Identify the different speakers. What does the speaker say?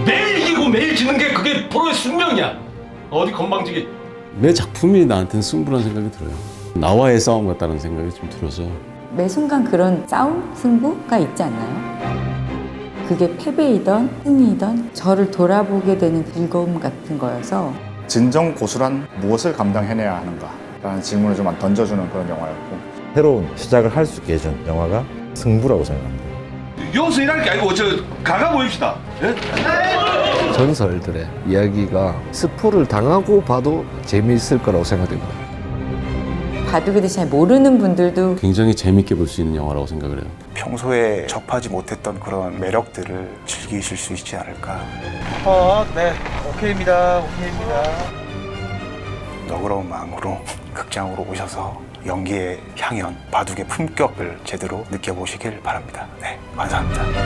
Speaker 1: 매일 이기고 매일 지는 게 그게 프로의 숙명이야. 어디 건방지게.
Speaker 2: 매 작품이 나한테는 승부라는 생각이 들어요. 나와의 싸움 같다는 생각이 좀 들어서.
Speaker 3: 매 순간 그런 싸움, 승부가 있지 않나요? 그게 패배이던 승리이던 저를 돌아보게 되는 즐거움 같은 거여서
Speaker 4: 진정 고수란 무엇을 감당해내야 하는가? 라는 질문을 좀 던져주는 그런 영화였고
Speaker 5: 새로운 시작을 할 수 있게 해준 영화가 승부라고 생각합니다.
Speaker 1: 여기서 일할 게 아니고 저 가가 모입시다. 예?
Speaker 6: 전설들의 이야기가 스포를 당하고 봐도 재미있을 거라고 생각됩니다.
Speaker 3: 바둑에 대해 잘 모르는 분들도
Speaker 2: 굉장히 재밌게 볼 수 있는 영화라고 생각을 해요.
Speaker 7: 평소에 접하지 못했던 그런 매력들을 즐기실 수 있지 않을까.
Speaker 8: 네, 오케이입니다.
Speaker 7: 너그러운 마음으로 극장으로 오셔서 연기의 향연, 바둑의 품격을 제대로 느껴보시길 바랍니다. 네, 감사합니다.